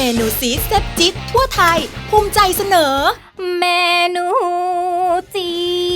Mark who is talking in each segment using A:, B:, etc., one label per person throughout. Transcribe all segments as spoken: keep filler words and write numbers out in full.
A: นูซีดแซ่บจี๊ดทั่วไทยภูมิใจเสนอ
B: เมนูจี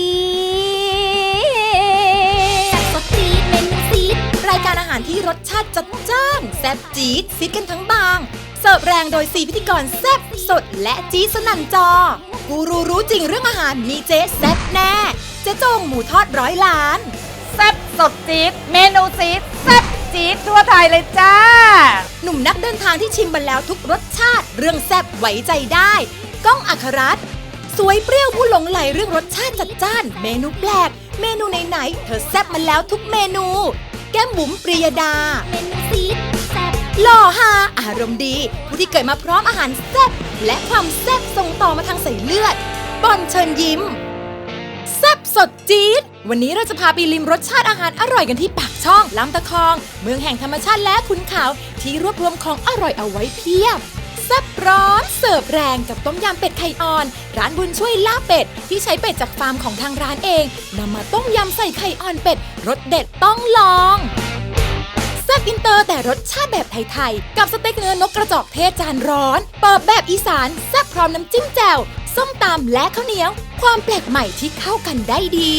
B: ดสดจีดเมนูซีด
A: รายการอาหารที่รสชาติจัดจ้านแซ่บจี๊ดซีดกันทั้งบางเสิร์ฟแรงโดยสี่พิธีกรแซ่บสดและจี๊ดสนั่นจอกูรูรู้จริงเรื่องอาหารมีเจ๊แซ่บแน่เจ๊จงหมูทอดร้อยล้าน
C: แซ่บสดจี๊ดเมนูซีดแซ่บจี๊ดทั่วไทยเลยจ้า
A: หนุ่มนักเดินทางที่ชิมมาแล้วทุกรสชาติเรื่องแซ่บไว้ใจได้ก้องอัครรัตน์สวยเปรี้ยวผู้หลงไหลเรื่องรสชาติจัดจ้านเมนูแปลกเมนูไหนๆเธอแซ่บมาแล้วทุกเมนูแก้มบุ๋มปรียดา
B: เมนูซีดแซ่บ
A: หล่อฮาอารมณ์ดีผู้ที่เกิดมาพร้อมอาหารแซ่บและความแซ่บส่งต่อมาทางสายเลือดบอลเชิญยิ้มแซ่บสดจี๊ดวันนี้เราจะพาไปลิมรสชาติอาหารอร่อยกันที่ปากช่องลำตะคองเมืองแห่งธรรมชาติและขุนเขาที่รวบรวมของอร่อยเอาไว้เพียบแซ่บร้อนเสิร์ฟแรงกับต้มยำเป็ดไข่อ่อนร้านบุญช่วยลาบเป็ดที่ใช้เป็ดจากฟาร์มของทางร้านเองนำมาต้มยำใส่ไข่อ่อนเป็ดรสเด็ดต้องลองแซ่บอินเตอร์แต่รสชาติแบบไทยๆกับสเต็กเนื้อนกกระจอกเทศจานร้อนเปิบแบบอีสานแซ่บพร้อมน้ำจิ้มแจ่วส้มตำและข้าวเหนียวความแปลกใหม่ที่เข้ากันได้ดี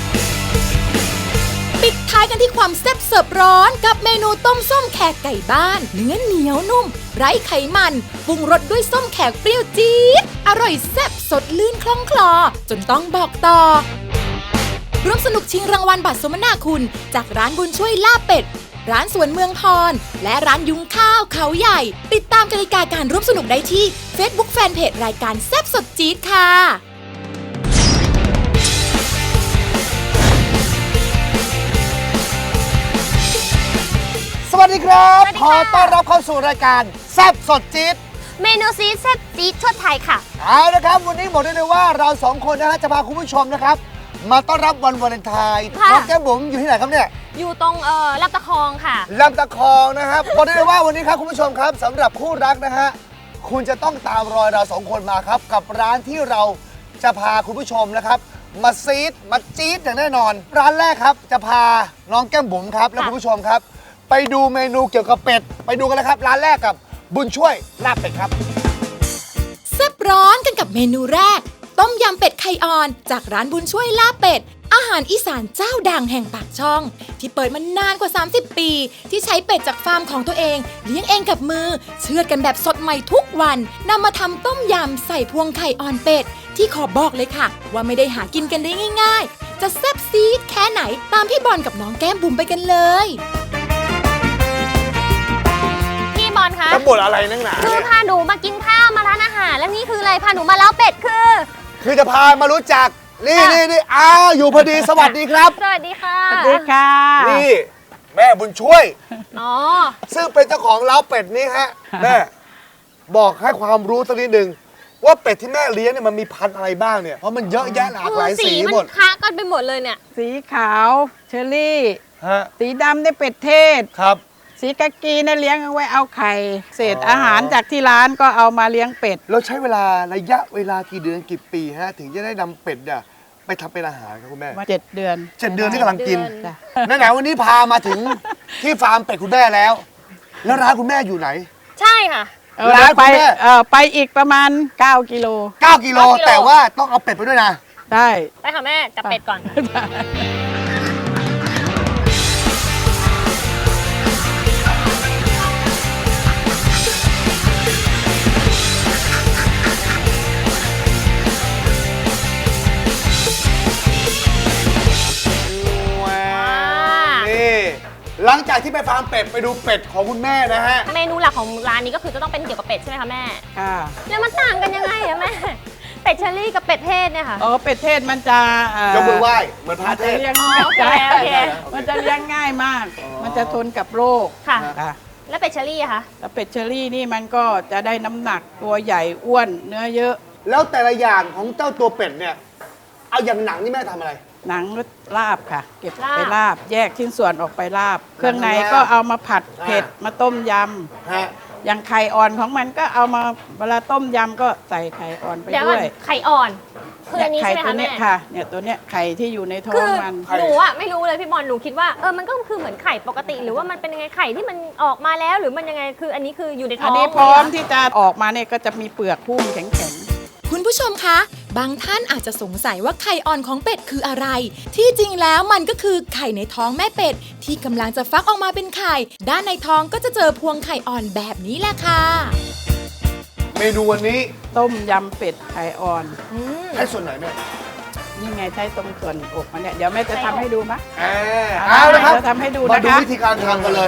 A: ปิดท้ายกันที่ความแซ่บเสิร์ฟร้อนกับเมนูต้มส้มแขกไก่บ้านเนื้อเหนียวนุ่มไร้ไขมันปรุงรสด้วยส้มแขกเปรี้ยวจี๊ดอร่อยแซ่บสดลื่นคล่องคลอจนต้องบอกต่อร่วมสนุกชิงรางวัลบัตรสมนาคุณจากร้านบุญช่วยลาบเป็ดร้านสวนเมืองพรและร้านยุ้งข้าวเขาใหญ่ติดตามกติกาการร่วมสนุกได้ที่ Facebook Fanpage รายการแซ่บสดจี๊ดค่ะ
D: สวัสดีครับขอต้อนรับเข้าสู่รายการแซ่บสดจี๊ด
B: เมนูซีดแซ่บจี๊ดทั่วไทยค่ะ
D: เอาละครับวันนี้บอกได้เลยว่าเราสองคนนะฮะจะพาคุณผู้ชมนะครับมาต้อนรับวันวาเลนไทน์น้องแก้มบุ๋มอยู่ที่ไหนครับเนี่ย
B: อยู่ตรงเอ่อลำตะคองค่ะ
D: ลำตะคองนะครับบอกได้เลยว่าวันนี้ครับคุณผู้ชมครับสำหรับคู่รักนะฮะคุณจะต้องตามรอยเราสองคนมาครับกับร้านที่เราจะพาคุณผู้ชมนะครับมาซีดมาจี๊ดอย่างแน่นอนร้านแรกครับจะพาน้องแก้มบุ๋มครับและคุณผู้ชมครับไปดูเมนูเกี่ยวกับเป็ดไปดูกันเลยครับร้านแรกกับบุญช่วยลาบเป็ดครับ
A: แซ่บร้อนกันกับเมนูแรกต้มยำเป็ดไข่อ่อนจากร้านบุญช่วยลาบเป็ดอาหารอีสานเจ้าดังแห่งปากช่องที่เปิดมานานกว่าสามสิบปีที่ใช้เป็ดจากฟาร์มของตัวเองเลี้ยงเองกับมือเชือดกันแบบสดใหม่ทุกวันนำมาทำต้มยำใส่พวงไข่อ่อนเป็ดที่ขอบอกเลยค่ะว่าไม่ได้หากินกันได้ง่ายๆจะแซ่บซีดแค่ไหนตามพี่บอลกับน้องแก้มบุ๋มไปกันเลย
B: บอลคะ
D: จะบ่นอะไรนักหนา
B: คือพาหนูมากินข้าวมาร้านอาหารแล้วนี่คืออะไรพาหนูมาเล้าเป็ดคือ
D: คือจะพามารู้จักนี่นี่นี่อ้าวอยู่พอดีสวัสดีครับ
B: สวัสดีค่ะ
C: สวัสดีค่ะ
D: นี่แม่บุญช่วย
B: อ๋อ
D: ซึ่งเป็นเจ้าของเล้าเป็ดนี้ฮะแม่บอกให้ความรู้สักนิดนึงว่าเป็ดที่แม่เลี้ยงเนี่ยมันมีพันธุ์อะไรบ้างเนี่ยเพราะมันเยอะแยะหลากหลายสีหมด
B: สีมันค้ากันไปหมดเลยเนี่ย
C: สีขาวเชอรี่
D: ฮะ
C: สีดำได้เป็ดเทศ
D: ครับ
C: สีกากีเนี่ยเลี้ยงเอาไว้เอาไข่เศษอาหารจากที่ร้านก็เอามาเลี้ยงเป็ด
D: แล้วใช้เวลาระยะเวลากี่เดือนกี่ปีฮะถึงจะได้นำเป็ดเนี่ยไปทำเป็นอาหารครับคุณแม่
C: เจ็ดเดือน
D: เจ็ดเดือนที่กำลังกินไหนๆวันนี้พามาถึงที่ฟาร์มเป็ดคุณแม่แล้วแล้วร้านคุณแม่อยู่ไหน
B: ใช่ค่ะ
D: ร้านคุณแม่
C: เออไปอีกประมาณเก้ากิโล
D: เก้ากิโลแต่ว่าต้องเอาเป็ดไปด้วยนะ
C: ได้
B: ไปค่ะแม่จับเป็ดก่อน
D: หลังจากที่ไปฟาร์มเป็ดไปดูเป็ดของคุณแม่นะฮะ
B: เมนูหลักของร้านนี้ก็คือจะต้องเป็นเกี่ยวกับเป็ดใช่ไหมคะแม่
C: ค่ะ
B: แล้วมันต่างกันยังไงอะแม่เป็ดเชอรี่กับเป็ดเทศเนี่ยค่ะ
C: อ๋อเป็ดเทศมันจะ
D: ยกมือไหว้เหมือนพระเทศ
C: เลี้ยงง่ายมันจะเลี้ยงง่ายมากมันจะทนกับโรค
B: ค่ะแล้วเป็ดเชอรี่อะคะ
C: แล้วเป็ดเชอรี่นี่มันก็จะได้น้ำหนักตัวใหญ่อ้วนเนื้อเยอะ
D: แล้วแต่ละอย่างของเจ้าตัวเป็ดเนี่ยเอาอย่างหนังนี่แม่ทำอะไร
C: หนังลาบค่ะเก็บไปลาบแยกชิ้นส่วนออกไปลาบเครื่องในก็เอามาผัดเผ็ดมาต้มยำอย่างไข่อ่อนของมันก็เอามาเวลาต้มยำก็ใส่ไข่อ่อนไปด้วย
B: ไข่อ่อนคืออันนี้
C: ไข่
B: ใช่ไหม
C: ตัว
B: คะ
C: เนี้
B: แม่
C: ยค่ะ เนี่ยตัวเนี้ยไข่ที่อยู่ในท้อ
B: คื
C: ง
B: อ
C: มัน
B: หนูอะไม่รู้เลยพี่บอลหนูคิดว่าเออมันก็คือเหมือนไข่ปกติ หรือว่ามันเป็นยังไงไข่ที่มันออกมาแล้วหรือมันยังไงคืออันนี้คืออยู่ในท้
C: อั
B: อน ง
C: นี้พร้อม
B: เลยเห
C: ที่จะออกมาเนี่ยก็จะมีเปลือกหุ้มแข็ง
A: คุณผู้ชมคะ บางท่านอาจจะสงสัยว่าไข่อ่อนของเป็ดคืออะไร ที่จริงแล้วมันก็คือไข่ในท้องแม่เป็ดที่กำลังจะฟักออกมาเป็นไข่ ด้านในท้องก็จะเจอพวงไข่อ่อนแบบนี้แหละค่ะ
D: เมนูวันนี้
C: ๆ ต้มยำเป็ดไข่อ่อน
B: อืม
D: ให้ส่วนไหนแม่
C: นี่ไงใช้ตรงส่วนอกมันเนี่ยเดี๋ยวแม่จะทำให้ดูมะ
D: อ่าเอาละครับ
C: เดี๋ยวทำให้ดู
D: มา
C: นะ
D: ดู
C: คะ
D: วิธีการทำกันเลย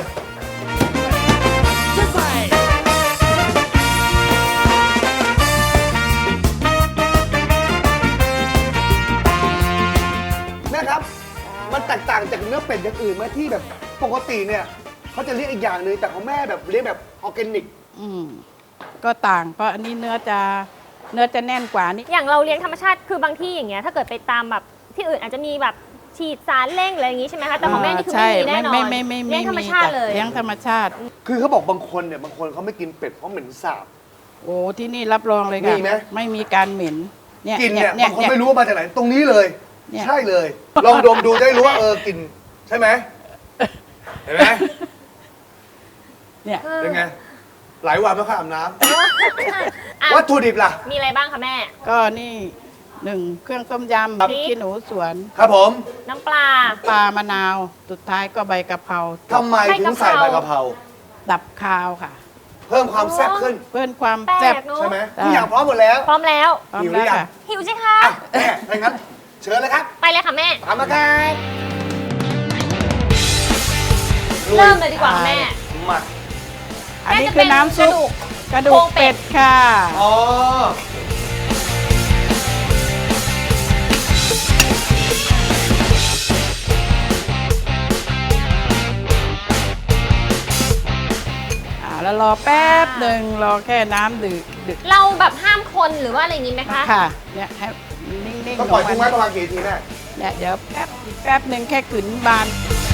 D: แม่ครับ มันแตกต่างจากเนื้อเป็ดอย่างอื่นไหมที่แบบปกติเนี่ยเขาจะเรียกอีกอย่างหนึ่งแต่ของแม่แบบเรียกแบบออร์แกนิก
C: อืมก็ต่างเพราะอันนี้เนื้อจะเนื้อจะแน่นกว่านี่
B: อย่างเราเลี้ยงธรรมชาติคือบางที่อย่างเงี้ยถ้าเกิดไปตามแบบที่อื่นอาจจะมีแบบฉีดสารเร่งอะไรอย่างงี้ใช่ไหมคะแต่ของแม่นี่คือไม่มีแน่นอน
C: ไม่ไม่ไม่
B: เลี้ยงธรรมชาติเลย
C: เลี้ยงธรรมชาติ
D: คือเขาบอกบางคนเนี่ยบางคนเขาไม่กินเป็ดเพราะเหม็นสาบ
C: โอ้ที่นี่รับรองเลยค่ะ
D: มีไหม
C: ไม่มีการเหม็นเนี่ย
D: กลินเนี่ย
C: เนี่ย
D: บางคน
C: เนี่ย
D: ไม่รู้ว่ามาจากไหนตรงนี้เลย
C: เนี่ย
D: ใช่เลย ลองดมดูจะได้รู้ว่าเออกลิ่นใช่ไหมเห็นไหม
C: เนี่ย
D: เป็นไงหลายวันไม่ค่อยอาบน้
B: อ่ะ
D: ำวัตถุดิบล่ะ
B: มีอะไรบ้างคะแม่
C: ก็นี่หนึ่งเครื่องต้มยำ
B: ครับ
C: พริกขี้หนูสวน
D: ครับผม
B: น้ำปลา
C: ปลามะนาว สุดท้ายก็ใบกะเพรา
D: ทำไมถึงใส่ใบกะเพรา
C: ดับคาวค่ะ
D: เพิ่มความแซ่บขึ้น
C: เพิ่มความ
B: แปล
C: แซ่บ
B: กเนอะ
D: ใช่ไหม
C: ได้
D: ทุกอย่างพร้อมหมดแล้ว
B: พร้อมแล้ว
C: พร้อม
D: หิวหรื
C: แล้ว
D: อยัง
C: ค่ะ
B: หิวสิคะ
D: อ่ะแม่ถ้างั้นเชิญเลยครับ
B: ไปเลยค่ะแม่
D: ตามมาครับ
B: เริ่มเลยดีกว่าค่ะแม่
D: มา
C: อันนี้คือน้ำซุปกระดู
B: โคร
C: ก
B: งเป็
C: เป็
B: ด
C: ดค่ะ
D: อ๋อ
C: อ่าแล้วรอแป๊บหนึ่งรอแค่น้ำดืดดึก
B: เราแบบห้ามคนหรือว่าอะไรอย่างงี้ไหมคะ
C: ค่ะเนี่ยให้นิ่งๆ
D: ต้องปล่อย
C: ล
D: ทิ้ง
C: ง
D: ไว้
C: มา
D: ประมาณกี่ทีแม่
C: เนี่ยเดี๋ยวแป๊บแป๊บหนึ่งแค่ขืนบาน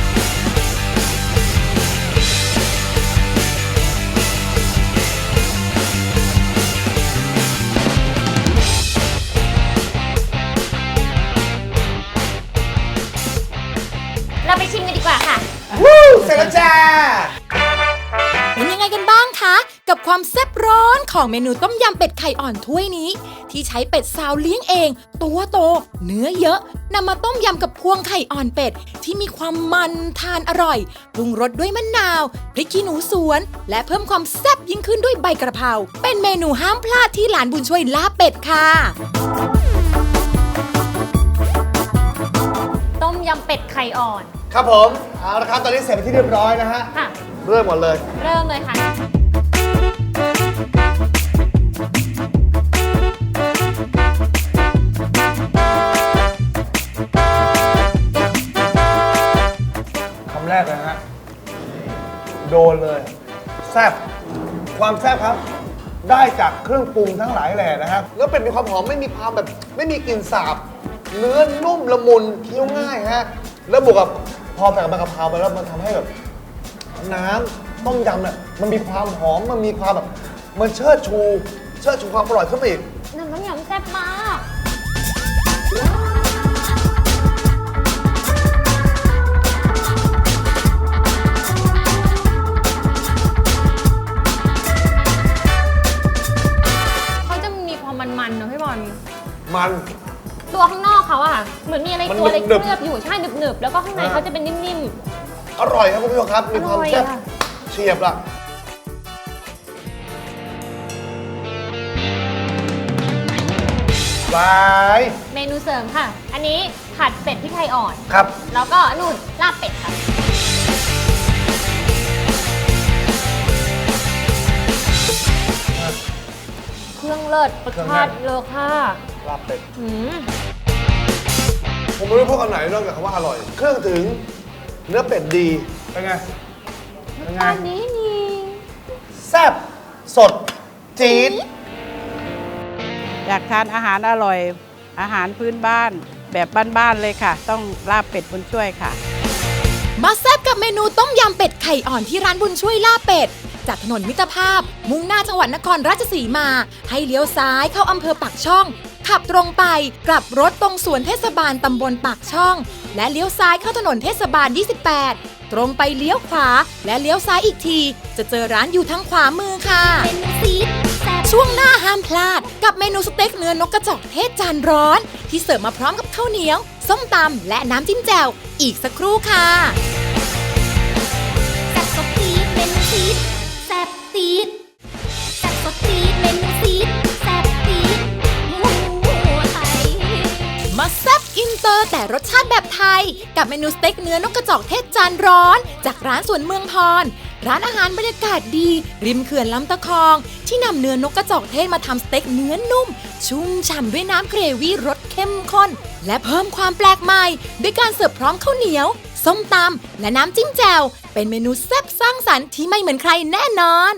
B: เราไปชิมกันดีกว่าค่ะ
D: วู้เสร็จแล้วจ้า
A: เป็นยังไงกันบ้างคะ กับความแซ่บร้อนของเมนูต้มยำเป็ดไข่อ่อนถ้วยนี้ ที่ใช้เป็ดซาวเลี้ยงเอง ตัวโต เนื้อเยอะนำมาต้มยำกับพวงไข่อ่อนเป็ด ที่มีความมันทานอร่อยปรุงรสด้วยมะนาวพริกขี้หนูสวน และเพิ่มความแซ่บยิ่งขึ้นด้วยใบกระเพราเป็นเมนูห้ามพลาดที่หลานบุญช่วยลาบเป็ดค่ะ
B: ต้มยำเป็ดไข่อ่อน
D: ครับผมเอาละครับตอนนี้เสร็จเป็นที่เรียบร้อยนะฮะ
B: ค่ะ
D: เริ่มหมดเลย
B: เริ่มเลยค่ะ
D: คำแรกเลยฮะ โดนเลย แซ่บความแซ่บครับ ได้จากเครื่องปรุงทั้งหลายแหล่นะครับ แล้วเป็ดมีความหอมไม่มีความแบบ ไม่มีกลิ่นสาบ เนื้อนุ่มละมุนเคี้ยวง่ายฮะ แล้วบวกกับพอใส่กับใบกะเพราไปแล้วมันทำให้แบบ น้ำต้มยำเนี่ยมันมีความหอมมันมีความแบบ มันเชิดชู เชิดชูความอร่อยขึ้นไปอีก
B: น้ำต้มยำแซ่บมาก เขาจะมีความมันๆเนอะพี่บอล
D: มัน
B: ตัวข้างนอกเขาอะค่ะ เหมือนมีอะไร
D: มัน
B: ตัวอะไร
D: หนึบๆ
B: เคลือบอยู่ ใช่หนึบๆ แล้วก็ข้างใน
D: อ่า
B: เขาจะเป็นนิ่ม
D: อร่อยครับคุณผู้ชมครับ มีความแซ่บ
B: อร่อยอะ
D: เฉียบล่ะ ไป
B: ๆ เมนูเสริมค่ะ อันนี้ผัดเป็ดพริกไทยอ่อน
D: ครับ
B: แล้วก็นู่นลาบเป็ดค่ะ เครื่องเลิศรสชาติเลอค่ะ
D: ลาบเป็ด
B: หืม
D: ผมไม่รู้พวกอันไหนนอกจากคำว่าอร่อย เครื่องถึง เนื้อเป็ดดี เป็นไง เป็นไง
B: อันนี้นี่
D: แซ่บ สด จี๊ด
C: อยากทานอาหารอร่อย อาหารพื้นบ้านแบบบ้านๆเลยค่ะ ต้องลาบเป็ดบุญช่วยค่ะ
A: มาแซ่บกับเมนูต้มยำเป็ดไข่อ่อนที่ร้านบุญช่วยลาบเป็ด จากถนนมิตรภาพ มุ่งหน้าจังหวัดนครราชสีมา ให้เลี้ยวซ้ายเข้าอำเภอปากช่องขับตรงไปกลับรถตรงสวนเทศบาลตำบลปากช่องและเลี้ยวซ้ายเข้าถนนเทศบาลยี่สิบแปดตรงไปเลี้ยวขวาและเลี้ยวซ้ายอีกทีจะเจอร้านอยู่ทางขวามือค่ะช่วงหน้าห้ามพลาดกับเมนูสเต็กเนื้อนกกระจอกเทศจานร้อนที่เสิร์ฟมาพร้อมกับข้าวเหนียวส้มตำและน้ำจิ้มแจ่วอีกสักครู่ค่ะแซ่บสดตีดเมนูซีดแซ่บตีดแซ่บสดตีดเมนูซีดแซ่บตีดหมูไทยมาแซ่บอินเตอร์แต่รสชาติแบบไทยกับเมนูสเต็กเนื้อนกกระจอกเทศจานร้อนจากร้านสวนเมืองพรร้านอาหารบรรยากาศดีริมเขื่อนลำตะคองที่นำเนื้อนกกระจอกเทศมาทำสเต็กเนื้อนุ่มชุ่มฉ่ำด้วยน้ำเกรวี่รสเข้มข้นและเพิ่มความแปลกใหม่ด้วยการเสิร์ฟพร้อมข้าวเหนียวส้มตำและน้ำจิ้มแจ่วเป็นเมนูแซ่บสร้างสรรค์ที่ไม่เหมือนใครแน่นอน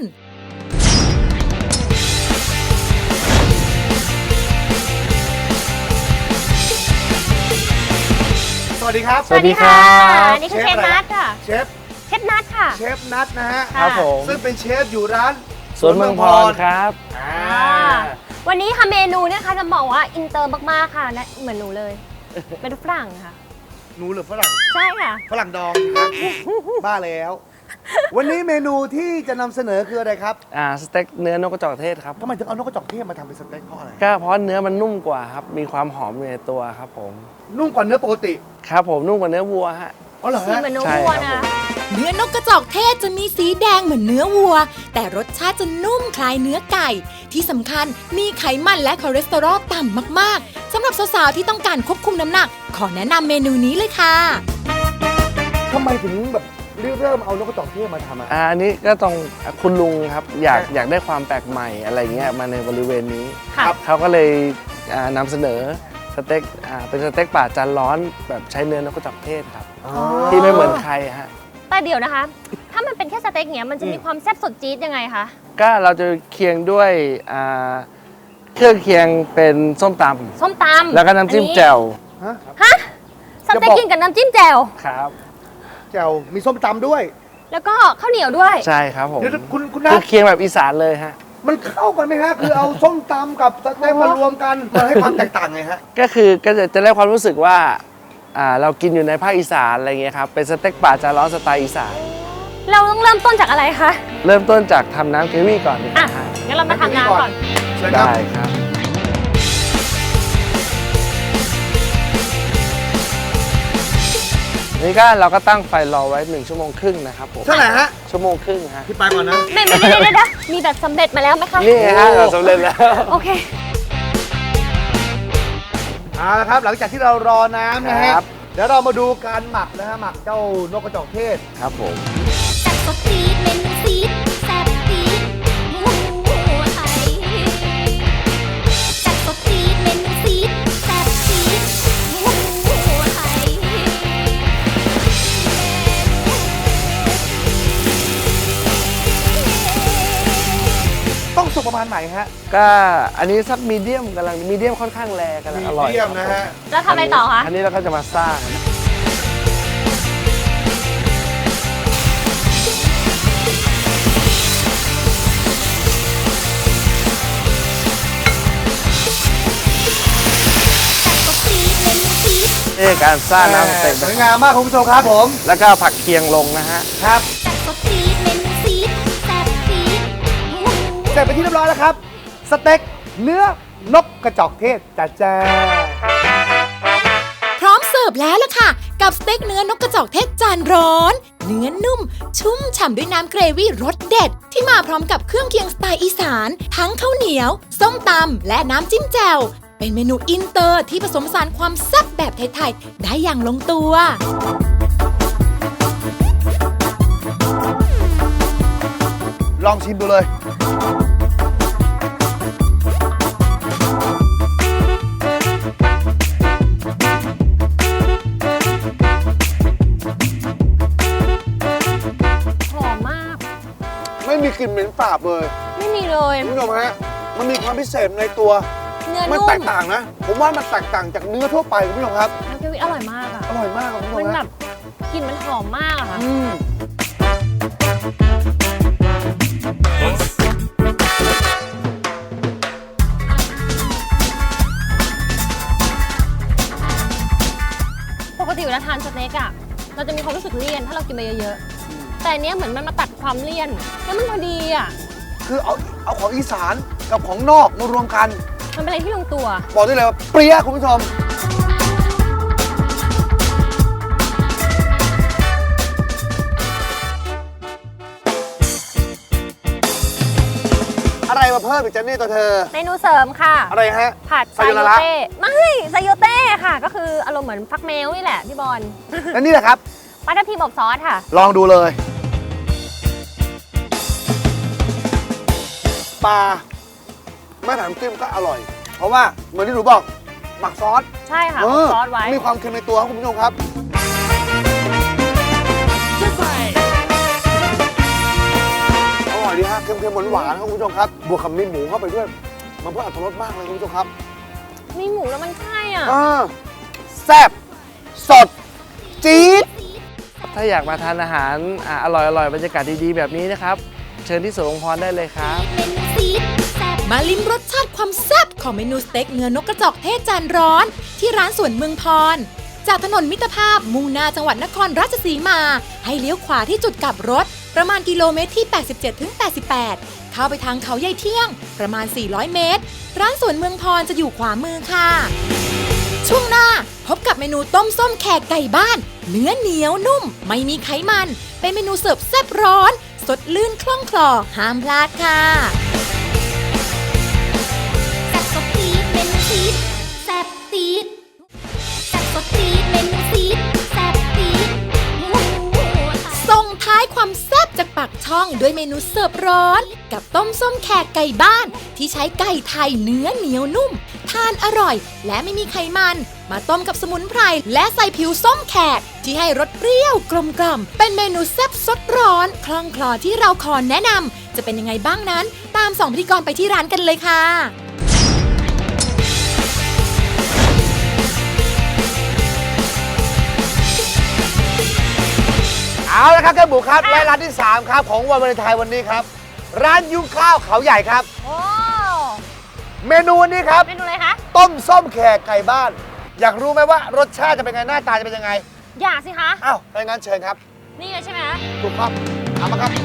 D: สวัสดีครับ
B: สวัสดีค่ะอันนี้คือเชฟนัทค่ะ
D: เชฟ
B: เชฟนัทค่ะ
D: เชฟนัทนะฮะ
B: ค่ะ
E: ครับผม
D: ซึ่งเป็นเชฟอยู่ร้าน
E: สวนเมืองพรครับ
D: อ่า
B: อ่าวันนี้ค่ะเมนูเนี่ยค่ะจะบอกว่าอินเตอร์มากๆค่ะนะเหมือนหนูเลย เป็นฝรั่งค่ะ
D: หนูหรือฝรั่ง
B: ใช่ค่ะ
D: ฝรั่งดองครับ บ้าแล้ว วันนี้เมนูที่จะนำเสนอคืออะไรครับ
E: อ่าสเต็กเนื้อนกกระจอกเทศครับ
D: ทำไมถึงเอานกกระจอกเทศมาทำเป็นสเต็กเพราะอะไร
E: ก็เพราะเนื้อมันนุ่มกว่าครับ มีความหอมอยู่ในตัวครับผม
D: นุ่มกว่าเนื้อปกติ
E: ครับผมนุ่มกว่าเนื้อวัวฮะ
D: อ๋อเหรอ
B: สี
D: ฮะ
B: เหมือนหนู
E: ใช่
B: วัว
E: ครั
B: นะ
E: บผม
A: เนื้อนกกระจอกเทศจะมีสีแดงเหมือนเนื้อวัวแต่รสชาติจะนุ่มคล้ายเนื้อไก่ที่สำคัญมีไขมันและคอเลสเตอรอลต่ำมากๆสำหรับสาวๆที่ต้องการควบคุมน้ำหนักขอแนะนำเมนูนี้เลยค่ะ
D: ทำไมถึงแบบเริ่มเอานกกระจอกเทศมาทำอ่ะ
E: อ่าอันนี้ก็ต้องคุณลุงครับอยากอยากได้ความแปลกใหม่อะไรเงี้ยมาในบริเวณนี้
B: ค่ะ
E: เขาก็เลยอ่านำเสนอสเต็กอ่าเป็นสเต็กป่าจานร้อนแบบใช้เนื้อนกกระจอกเทศครับ
D: อ๋อ
E: ที่ไม่เหมือนใครฮะ
B: แต่เดี๋ยวนะคะ ถ้ามันเป็นแค่สเต็กเนี้ยมันจะมีความแซ่บสดจี๊ดยังไงคะ
E: ก็เราจะเคียงด้วยอ่าเครื่องเคียงเป็นส้มต
B: ส้มตำ
E: ำแล้วก็น้ำจิ้ม
B: อั
E: แจ่ว
D: ฮะ
B: ฮะสเต็กกินกับน้ำจิ้มแจ่ว
E: ครับ
D: แจ่วมีส้มตำด้วย
B: แล้วก็ข้าวเหนียวด้วย
E: ใช่ครับผม
D: เดี๋ยวคุณคุณ
E: คื
D: นั
E: อ
D: ท
E: เคียงแบบอีสานเลยฮะ
D: มันเข้ากันไหมฮะ คือเอาส้มตำกับสเต็กมารวมกันมันให้ความแตกต่างไงฮะ
E: ก็คือก็จะจะได้ความรู้สึกว่าอ่าเรากินอยู่ในภาคอีสานอะไรเงี้ยครับเป็นสเต็กป่าจานร้อนสไตล์อีสาน
B: เราต้องเริ่มต้นจากอะไรคะ
E: เริ่มต้นจากทำน้ำเกรวี่ก่อนดีก
B: อ่ะ
E: ว่าฮะ
B: งั้นเรามาทำน้ำก่อน
D: เชิญครับ
E: ได้ครับนี่ก็เราก็ตั้งไฟรอไว้หนึ่งชั่วโมงครึ่งนะครับผม
D: เท่าไหร่ฮะ
E: ชั่วโมงครึ่งฮะ
D: พี่ไปก่อนนะ
B: ไม่ไม่ไม่ไม่ไม่มีแบบสำเร็จมาแล้วไหมคะ
E: นี่ไงฮะเราสำเร็จแล้ว
B: โอเค
D: เอาละครับ หลังจากที่เรารอน้ำนะฮะ
E: ครับ
D: เดี๋ยวเรามาดูการหมักนะฮะ หมักเจ้านกกระจอกเทศ
E: ครับผม
A: แซ่บสดจี๊ดเมนูซีดแซ่บจี๊ดหมูไทยแซ่บสดจี๊ดเมนูซีดแซ่บจี๊ดหมูไทย
D: ต้องสุกประมาณไหนฮะ
E: ก็อันนี้สักมีเดียมกำลังมีเดียมค่อนข้างแรงกำลังอร่อย
D: มีเดียมนะฮะ
B: แล้วทำอะไรต่อคะ
E: อันนี้เราก็จะมาสร้าง นี่คือการสร้างน้ำสเต็ก
D: สวยงามมากคุณผู้ชมครับผม
E: แล้วก็ผักเคียงลงนะฮะ
D: ครับ
A: แซ่บสดจี๊ดเมนูซีดแซ่บจี๊ดหมู
D: เสร็จไปนที่เรียบร้อยแล้วครับ สเต็กเนื้อนกกระจอกเทศจ้าจ้า
A: พร้อมเสิร์ฟแล้วล่ะค่ะ กับสเต็กเนื้อนกกระจอกเทศจานร้อน เนื้อนุ่ม ชุ่มฉ่ำด้วยน้ำเกรวี่รสเด็ด ที่มาพร้อมกับเครื่องเคียงสไตล์อีสาน ทั้งข้าวเหนียว ส้มตำและน้ำจิ้มแจ่วเป็นเมนูอินเตอร์ที่ผสมผสานความแซ่บแบบไทยๆได้อย่างลงตัว
D: ลองชิมดูเลย
B: หอมมาก
D: ไม่มีกลิ่นเหม็นสาบเลย
B: ไม่มีเลย
D: คุณผู้ชมฮะ มันมีความพิเศษในตัว
B: เนื้อ
D: มัน
B: นุ่ม
D: แตกต่างนะ ผมว่ามันแตกต่างจากเนื้อทั่วไปคุณผู้ชมครับ
B: น้ำเกรวี่อร่อยมากอะ
D: อร่อยมากครับคุณผู้ช
B: มัน
D: ม
B: แบ
D: ฮะ
B: บกลิ่นมันหอมมากอะค่ะ
D: อืม
B: ทานสเต็กอะเราจะมีความรู้สึกเลี่ยนถ้าเรากินไปเยอะๆแต่อันเนี้ยเหมือนมันมาตัดความเลี่ยนแล้วมันพอดีอะ
D: คือเอาเอาของอีสานกับของนอกมารวมกัน
B: มันเป็นอะไรที่ลงตัว
D: บอกได้เลยว่าเปรี้ยคุณผู้ชม อะไรมาเพิ่มอีกจ๊ะเนี่ยตัวเธอ
B: เมนูเสริมค่ะ
D: อะไรฮะ
B: ผัดไซ
D: ไซโย
B: โย
D: ระ
B: เต้ไม่ไซโยเต้ค่ะ ก็คืออารมณ์เหมือนฟักแมวนี่แหละพี่บอล
D: แล้วนี่แหละครับ
B: ปลาทับทิมอบซอสค่ะ
D: ลองดูเลย ปลาไม่ผัดน้ำจิ้มก็อร่อย เพราะว่าเหมือนที่หนูบอกหมักซอส
B: ใช่ค่ะ
D: เอ
B: อบ
D: อ
B: ซอสไว้
D: มีความเค็มในตัวครับคุณผู้ชมครับ อร่อยดีฮะเค็มๆหวานๆครับคุณผู้ชมครับ บวกกับมีหมูเข้าไปด้วย มันเพิ่มอรรถรสมากเลยคุณผู้ชมครับ
B: มีหมูแล้วมันใช่อ่ะ
D: เออแซ่บสด จี๊ด
E: ถ้าอยากมาทานอาหารอ่าอร่อยอร่อยบรรยากาศดีๆแบบนี้นะครับ เชิญที่สวนองค์พรได้เลยครับ
A: มาลิ้มรสชาติความแซ่บของเมนูสเต็กเนื้อนกกระจอกเทศจานร้อน ที่ร้านสวนเมืองพร จากถนนมิตรภาพมุ่งหน้าจังหวัดนครราชสีมา ให้เลี้ยวขวาที่จุดกลับรถ ประมาณกิโลเมตรที่ แปดสิบเจ็ดถึงแปดสิบแปด เข้าไปทางเขาใหญ่เที่ยง ประมาณ สี่ร้อย เมตร ร้านสวนเมืองพรจะอยู่ขวามือค่ะ ช่วงหน้าพบกับเมนูต้มส้มแขกไก่บ้าน เนื้อเหนียวนุ่ม ไม่มีไขมัน เป็นเมนูเสิร์ฟแซ่บร้อน สดลื่นคล่องคลอห้ามพลาดค่ะ
F: แซ่บสดตีดเมนูซีดแซ่บตีดแซ่บสดตีดเมนูซีดแซ่บตีดโอ้โห
A: ส่งท้ายความแซ่บจากปากช่องด้วยเมนูเสิร์ฟร้อน กับต้มส้มแขกไก่บ้าน ที่ใช้ไก่ไทยเนื้อเหนียวนุ่ม ทานอร่อย และไม่มีไขมัน มาต้มกับสมุนไพรและใส่ผิวส้มแขก ที่ให้รสเปรี้ยวกลมกล่อมเป็นเมนูแซ่บสดร้อนคล่องคลอที่เราขอแนะนำจะเป็นยังไงบ้างนั้น ตามสองพิธีกรไปที่ร้านกันเลยค่ะ
D: เอาละครับท่านบุครับและร้านที่ สาม ครับ ของวันวาเลนไทน์วันนี้ครับ ร้านยุ้งข้าวเขาใหญ่ครับ
B: โอ้
D: เมนูวันนี้ครับ
B: เมนูอะไรคะ
D: ต้มส้มแขกไก่บ้าน อยากรู้ไหมว่ารสชาติจะเป็นไงหน้าตาจะเป็นยังไง
B: อยากสิคะ
D: อ้าวถ้าอย่างนั้นเชิญครับ
B: นี่เลยใช่ไหม
D: ถูกครับเอามาครับ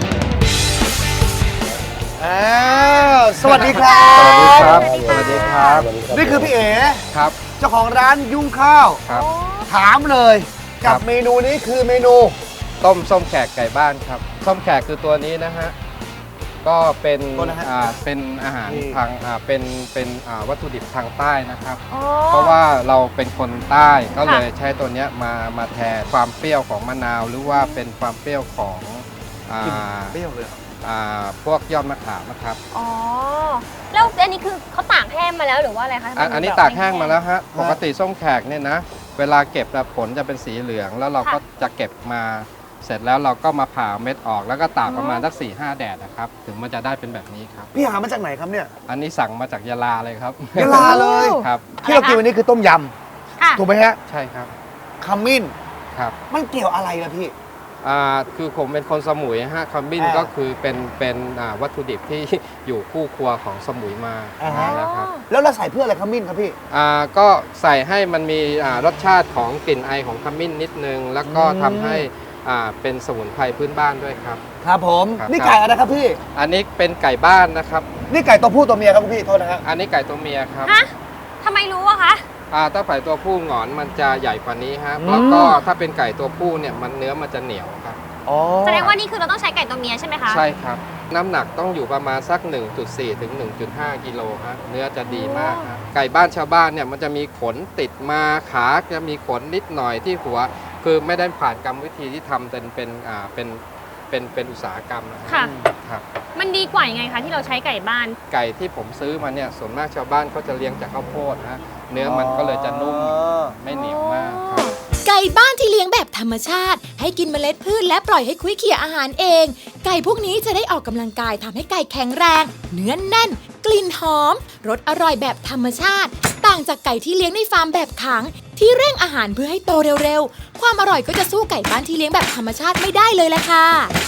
D: อ้าวสวัสดีครับ
E: สวัสดีครับ สวัสดีครับ
D: นี่คือพี่เอ๋
E: ครับ
D: เจ้าของร้านยุ้งข้าว
E: ครับ
D: ถามเลย
E: ครั
D: กับบ เมนูนี้คือเมนู
G: ต้มส้มแขกไก่บ้านครับส้มแขกคือตัวนี้นะฮะก็เป็น
D: ตัวนะฮะ
G: อ่าเป็นอาหาร
D: นี่
G: ทางอ่าเป็นเป็นอ่าวัตถุดิบทางใต้นะครับ
B: อ๋อ
G: เพราะว่าเราเป็นคนใต้ก็
B: ค่ะ
G: เลยใช้ตัวเนี้ยมามาแทนความเปรี้ยวของมะนาว หรือว่าเป็นความเปรี้ยวของอ่า
D: เปรี้ยวเลย
G: อ่าพวกยอดมะขามนะครับ
B: อ๋อ แล้วอันนี้คือเขาตากแห้งมาแล้วหรือว่าอะไรคะทำไม
G: อ่ะอันนี้
B: แบบ
G: ตากแห้งมาแล้วฮะปกติส้มแขกเนี่ยนะเวลาเก็บแล้วผลจะเป็นสีเหลือง แล้วเราก็จะเก็บมาเสร็จแล้วเราก็มาผ่าเม็ดออก แล้วก็ตากประมาณสักสี่ห้าแดดนะครับถึงมันจะได้เป็นแบบนี้ครับ
D: พี่หามาจากไหนครับเนี่ย
G: อันนี้สั่งมาจากยะลาเลยครับ
D: ยะลาเลย
G: ครับ
D: ที่เรากินวันนี้คือต้มย
B: ค่ะ
D: ำถูกไหมฮะ
G: ใช่ครับ
D: ขมิ้น
G: ครับ
D: มันเกี่ยวอะไรล่ะพี่
G: อ่าคือผมเป็นคนสมุยฮะขมิ้น
D: อ่า
G: ก็คือเป็นเป็นอ่าวัตถุดิบที่ อยู่คู่ครัวของสมุยมา
D: อ่าฮะ
G: นานแล้วครับ
D: แล้วเราใส่เพื่ออะไรขมิ้นครับพี่
G: อ่าก็ใส่ให้มันมีอ่ารสชาติของกลิ่นไอของขมิ้นนิดนึง แล้วก็
D: อืม
G: ทำให้อ่าเป็นสมุนไพรพื้นบ้านด้วยครับ
D: ครับผม
G: ครับ
D: นี่ไก่อะไรครับพี่
G: อันนี้เป็นไก่บ้านนะครับ
D: นี่ไก่ตัวผู้ตัวเมียครับคุณพี่โทษนะฮะ
G: อันนี้ไก่ตัวเมียครับ
B: ฮะทำไมรู้อะคะ
G: อ่าถ้าไก่ตัวผู้หงอนมันจะใหญ่กว่านี้ฮะ
D: อืม
G: แล้วก็ถ้าเป็นไก่ตัวผู้เนี่ยมันเนื้อมันจะเหนียวครับ
D: อ๋อ
B: แสดงว่านี่คือเราต้องใช้ไก่ตัวเมียใช่ไหมคะ
G: ใช่ครับ น้ำหนักต้องอยู่ประมาณสัก หนึ่งจุดสี่ ถึง หนึ่งจุดห้า กิโลฮะเนื้อจะดีมากฮะไก่บ้านชาวบ้านเนี่ยมันจะมีขนติดมาขาจะมีขนนิดหน่อยที่หัว คือไม่ได้ผ่านกรรมวิธีที่ทำเป็นเป็นอ่าเป็นเป็นเป็นอุตสาหกรรมนะฮะ
B: ค่ะ
G: ครับ
B: มันดีกว่ายังไงคะที่เราใช้ไก่บ้าน
G: ไก่ที่ผมซื้อมาเนี่ยส่วนมากชาวบ้านเขาจะเลี้ยงจากข้าวโพดฮะเนื้อมันก็เลยจะนุ่มไม่เหนียวมากครับ
A: ไก่บ้านที่เลี้ยงแบบธรรมชาติ ให้กินเมล็ดพืชและปล่อยให้คุ้ยเขี่ยอาหารเอง ไก่พวกนี้จะได้ออกกำลังกายทำให้ไก่แข็งแรง เนื้อแน่น กลิ่นหอม รสอร่อยแบบธรรมชาติ ต่างจากไก่ที่เลี้ยงในฟาร์มแบบขัง ที่เร่งอาหารเพื่อให้โตเร็วๆ ความอร่อยก็จะสู้ไก่บ้านที่เลี้ยงแบบธรรมชาติไม่ได้เลยแหละค่ะ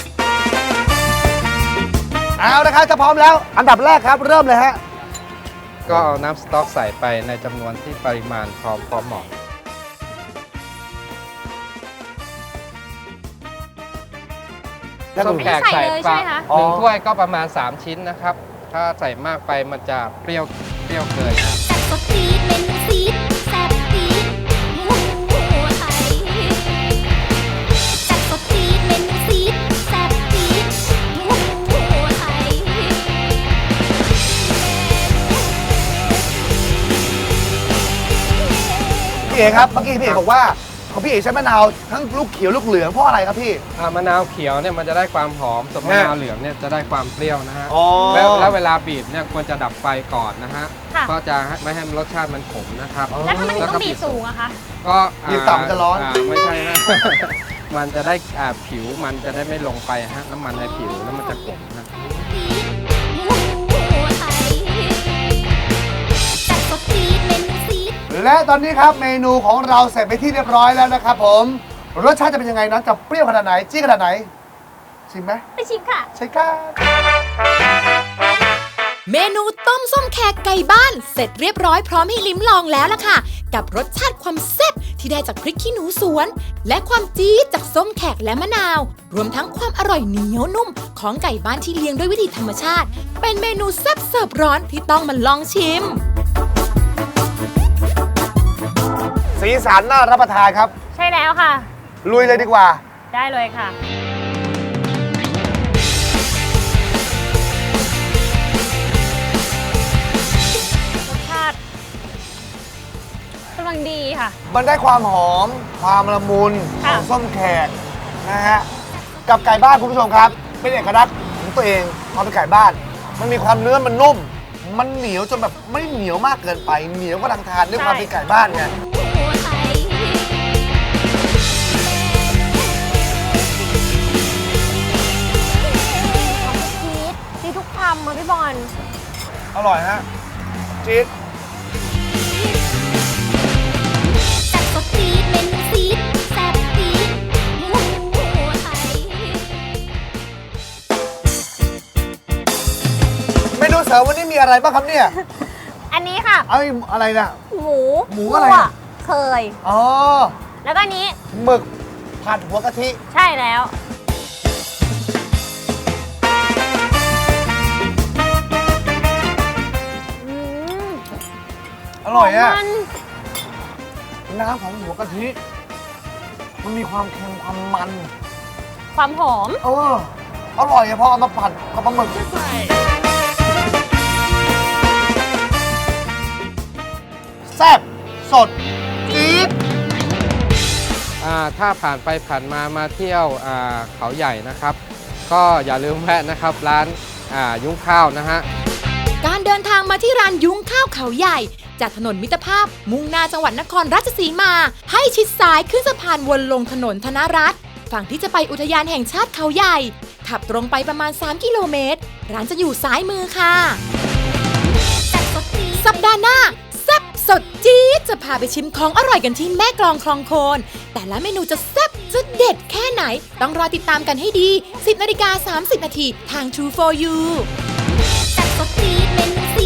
D: เอาละครับถ้าพร้อมแล้ว อันดับแรกครับเริ่มเลยฮะ
G: ก็เอาน้ำสต๊อกใส่ไปในจำนวนที่ปริมาณพอพอเหมาะส้มแขก
B: ใส่
G: ใส่
B: เลย
G: ปลา
B: ใช่ไหมคะ
G: หนึ่งถ้วยก็ประมาณ สาม ชิ้นนะครับ ถ้าใส่มากไปมันจะเปรี้ยวเปรี้ยวเกินครับ
F: แซ่บสดตีดเมนูซีดแซ่บตีดหมูไทยแซ่บสดตีดเมนูซีดแซ่บตีดหมูไทย
D: พี่เอ๋ครับเมื่อกี้พี่เอ๋บอกว่าของพี่เอ๋ใช้มะนาวทั้งลูกเขียวลูกเหลืองเพราะอะไรครับพี่
G: อ่ามะนาวเขียวเนี่ยมันจะได้ความหอมส่วนมะนาวเหลืองเนี่ยจะได้ความเปรี้ยวนะฮะ
D: อ๋อ
G: แล้วแล้วเวลาบีบเนี่ยควรจะดับไฟก่อนนะฮะ
B: ค่ะ
G: ก็จะไม่ให้รสชาติมันขมนะครับ
B: แล้วทำไมถึงต้องบีบสูงอะคะ
G: ก็
D: บีบต่ำจะร้อน
G: าไม่ใช่ฮะ มันจะได้อ่าผิวมันจะได้ไม่ลงไปฮะน้ำมันในผิวแล้วมันจะขมนะ
D: และตอนนี้ครับเมนูของเราเสร็จไปที่เรียบร้อยแล้วนะครับผมรสชาติจะเป็นยังไงนะจะเปรี้ยวขนาดไหนจี้ขนาดไหนชิมไหม
B: ไปชิมค่ะ
D: ใช่ครับ
A: เมนูต้มส้มแขกไก่บ้านเสร็จเรียบร้อยพร้อมให้ลิ้มลองแล้วล่ะค่ะ กับรสชาติความแซ่บที่ได้จากพริกขี้หนูสวน และความจี๊ดจากส้มแขกและมะนาว รวมทั้งความอร่อยเหนียวนุ่มของไก่บ้านที่เลี้ยงด้วยวิธีธรรมชาติ เป็นเมนูแซ่บเสิร์ฟร้อนที่ต้องมาลองชิม
D: สีสันน่ารับประทานครับ
B: ใช่แล้วค่ะ
D: ลุยเลยดีกว่า
B: ได้เลยค่ะ รสชาติกำลังดีค่ะ
D: มันได้ความหอม ความละมุนข
B: ค่ะ
D: องส้มแขกนะฮะกับไก่บ้านคุณผู้ชมครับ เป็นเอกลักษณ์ของตัวเองความเป็นไก่บ้าน มันมีความเนื้อมันนุ่ม มันเหนียวจนแบบไม่เหนียวมากเกินไปเหนียวก็ลังทานด้วยความเป็นไก่บ้านไง
B: จี๊ดจี๊ดทุกคำเลยพี่บอล
D: อร่อยฮะจี๊ด
F: แซ่บสดตีดเมนูซีดแซ่บตีดหมูไทย
D: เมนูเสริมวันนี้มีอะไรบ้างครับเนี่ย
B: อันนี้ค่ะ
D: เอาอะไรนะ
B: หมู
D: หมูอะไร
B: คั่ว
D: อะ
B: เคย
D: อ๋อ
B: แล้วก็อันนี้
D: หมึกผัดหัวกะทิ
B: ใช่แล้ว อืม
D: อร่อยอะ
B: มัน
D: น้ำของหัวกะทิ มันมีความเค็มความมัน
B: ความหอม
D: เออ อร่อยอะพอเอามาผัดกับปลาหมึกแซ่บสดจี๊ด
G: อ่าถ้าผ่านไปผ่านมามาเที่ยวอ่าเขาใหญ่นะครับ ก็อย่าลืมแวะนะครับร้านอ่ายุ้งข้าวนะฮะ
A: การเดินทางมาที่ร้านยุ้งข้าวเขาใหญ่ จากถนนมิตรภาพ มุ่งหน้าจังหวัดนครราชสีมา ให้ชิดซ้ายขึ้นสะพานวนลงถนนธนรัตน์ฝั่งที่จะไปอุทยานแห่งชาติเขาใหญ่ ขับตรงไปประมาณ สาม กิโลเมตร ร้านจะอยู่ซ้ายมือค่ะ สัปดาห์หน้าแซ่บสดจี๊ดจะพาไปชิมของอร่อยกันที่แม่กลองคลองโคน แต่ละเมนูจะแซ่บจะเด็ดแค่ไหน ต้องรอติดตามกันให้ดี สิบนาฬิกาสามสิบนาทีทาง True โฟร์ ยู
F: แซ่บสดตีดเมนูซี